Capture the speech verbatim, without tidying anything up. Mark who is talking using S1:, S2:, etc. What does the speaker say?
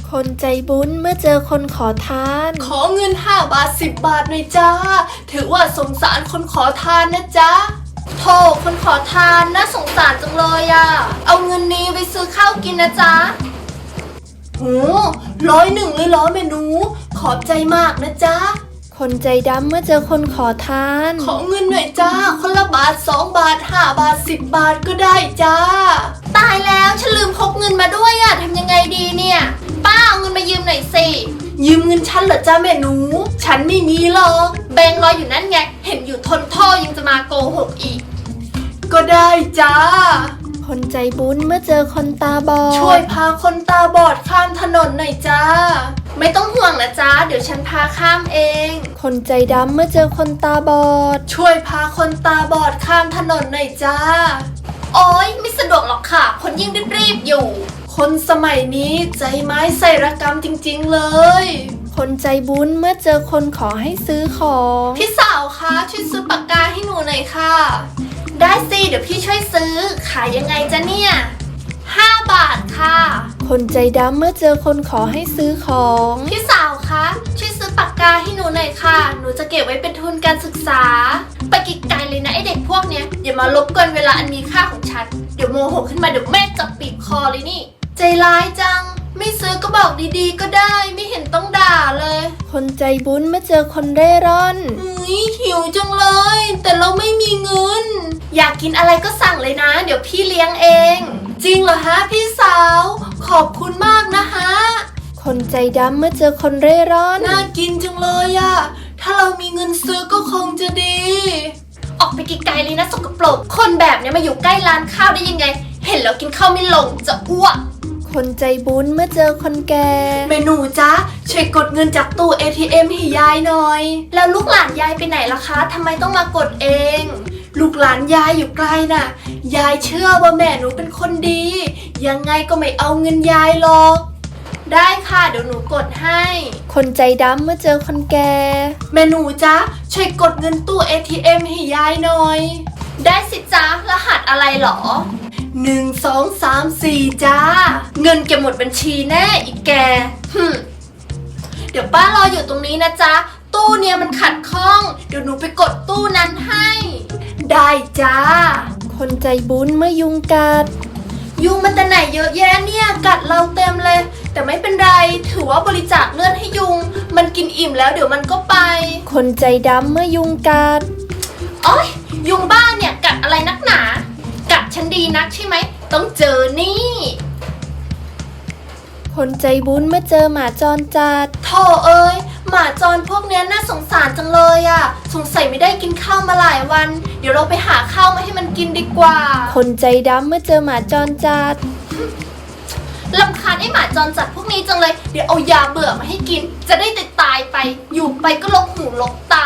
S1: คนใจบุญเมื่อเจอคนขอทาน
S2: ขอเงินห้าบาทสิบบาทหน่อยจ้าถือว่าสงสารคนขอทานนะจ๊ะโธ่คนขอทานน่าสงสารจังเลยอะเอาเงินนี้ไปซื้อข้าวกินนะจ๊ะโอ้ร้อยหนึ่งเลยเหรอเมนูขอบใจมากนะจ๊ะ
S1: คนใจดำเมื่อเจอคนขอทาน
S2: ขอเงินหน่อยจ้าคนละบาทสองบาทห้าบาทสิบบาทก็ได้จ้าตายแล้วฉันลืมพกเงินมาด้วยอะทำยังไงดีเนี่ยป้าเอาเงินมายืมหน่อยสิยืมเงินฉันเหรอจ้าแม่หนูฉันไม่มีหรอกแบงค์รออยู่นั่นไงเห็นอยู่ทนท่อยังจะมาโกหกอีกก็ได้จ้า
S1: คนใจบุญเมื่อเจอคนตาบอด
S2: ช่วยพาคนตาบอดข้ามถนนหน่อยจ้าไม่ต้องห่วงนะจ้าเดี๋ยวฉันพาข้ามเอง
S1: คนใจดำเมื่อเจอคนตาบอด
S2: ช่วยพาคนตาบอดข้ามถนนหน่อยจ้าโอ๊ยไม่สะดวกหรอกค่ะคนยิ่งรีบๆอยู่คนสมัยนี้ใจไม้ใส่ระกำจริงๆเลย
S1: คนใจบุญเมื่อเจอคนขอให้ซื้อของ
S2: พี่สาวคะช่วยซื้อปากกาให้หนูหน่อยค่ะได้สิเดี๋ยวพี่ช่วยซื้อขายยังไงจ๊ะเนี่ยห้าบาทค่ะ
S1: คนใจดำเมื่อเจอคนขอให้ซื้อของ
S2: พี่สาวคะช่วยซื้อปากกาให้หนูหน่อยค่ะหนูจะเก็บไว้เป็นทุนการศึกษาไปไกลๆเลยนะไอเด็กพวกเนี้ยอย่ามารบกวนเวลาอันมีค่าของฉันเดี๋ยวโมโหขึ้นมาเดี๋ยวแม่จับปีบคอเลยนี่ใจร้ายจังไม่ซื้อก็บอกดีๆก็ได้ไม่เห็นต้องด่าเลย
S1: คนใจบุญเมื่อเจอคนเร่ร่อน
S2: อุ้ยหิวจังเลยแต่เราไม่มีเงินอยากกินอะไรก็สั่งเลยนะเดี๋ยวพี่เลี้ยงเองจริงเหรอฮะพี่สาวขอบคุณมากนะฮะ
S1: คนใจดำเมื่อเจอคนเร่ร่อน
S2: น่ากินจังเลยอะถ้าเรามีเงินซื้อก็คงจะดีออกไปไกลๆเลยนะสกปรกคนแบบนี้มาอยู่ใกล้ร้านข้าวได้ยังไงเห็นแล้วกินข้าวไม่ลงจะอ้วก
S1: คนใจบุญเมื่อเจอคนแก่
S2: เมนูจ๊ะช่วยกดเงินจากตู้ เอ ที เอ็ม ให้ยายหน่อยแล้วลูกหลานยายไปไหนล่ะคะทำไมต้องมากดเองลูกหลานยายอยู่ไกลน่ะยายเชื่อว่าแม่หนูเป็นคนดียังไงก็ไม่เอาเงินยายหรอกได้ค่ะเดี๋ยวหนูกดให้
S1: คนใจดำเมื่อเจอคนแก่
S2: เมนูจ๊ะช่วยกดเงินตู้ เอ ที เอ็ม ให้ยายหน่อยได้สิจ๊ะรหัสอะไรหรอหนึ่งสองสามสี่จ้าเงินเก็บหมดบัญชีแน่อีกแกฮึเดี๋ยวป้ารออยู่ตรงนี้นะจ๊ะตู้เนี้ยมันขัดข้องเดี๋ยวหนูไปกดตู้นั้นให้ได้จ้า
S1: คนใจบุญเมื่อยุงกัด
S2: ยุงมันแต่ไหนเยอะแยะเนี่ยกัดเราเต็มเลยแต่ไม่เป็นไรถือว่าบริจาคเลือดให้ยุงมันกินอิ่มแล้วเดี๋ยวมันก็ไป
S1: คนใจดำเมื่อยุงกัด
S2: โอ๊ยยุงบ้าเนี่ยกัดอะไรนักหนากัดฉันดีนักใช่ไหมต้องเจอนี่
S1: คนใจบุญเมื่อเจอหมาจรจัด
S2: โธ่เอ้ยหมาจรพวกนี้น่าสงสารจังเลยอะสงสัยไม่ได้กินข้าวมาหลายวันเดี๋ยวเราไปหาข้าวมาให้มันกินดีกว่า
S1: คนใจดำเมื่อเจอหมาจรจัด
S2: รำคาญไอ้หมาจรจัดพวกนี้จังเลยเดี๋ยวเอายาเบื่อมาให้กินจะได้ตายตายไปอยู่ไปก็ลงหูลงต